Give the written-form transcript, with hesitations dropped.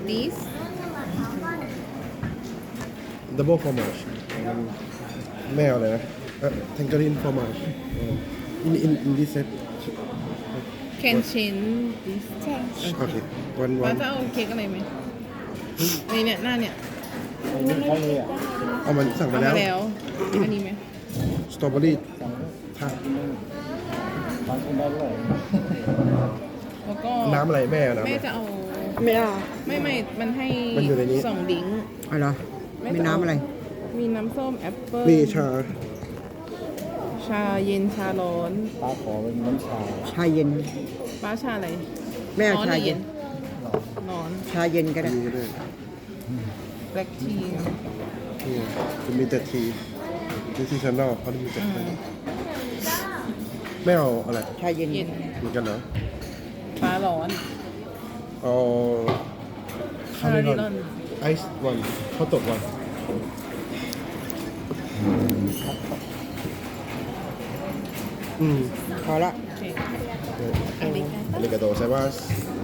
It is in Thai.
this double fromage แม่เอาอะไรนะtangerine fromage in this set can change this โอเควันว่าจะเอาเค้กอะไรไหมในเนี่ยหน้าเนี่ยเอามันสั่งเอามามาแล้วแล้วอันนี้ไหมสตรอเบอรี่ถ้าแล้วก็น้ำอะไรแม่เอาน้ำแม่อะไรจะเอาไม่เอาไม่มันให้มันอยู่ในนี้สองดิ้งเอาเหรอมีน้ำอะไรมีน้ำส้มแอปเปิ้ลมีชาชาเย็นชาร้อนป้าขอเป็นน้ำชาชาเย็นป้าชาอะไรแม่เอาร้อนหชารือเย็เย็นนร้อนชาเย็นก็ได้มีด้วยแบล็กทีนี่จะมีแต่ทีดิซิชันแนลเขาจะมีแต่ทีไม่เอาอะไรชาเย็นเย็นเหมือนกันเหรอฟ้าร้อนเอาคาคาริริลลออน นไอซ์วันข้าวตกวันพอละโอเคอาริกาโตไซมัส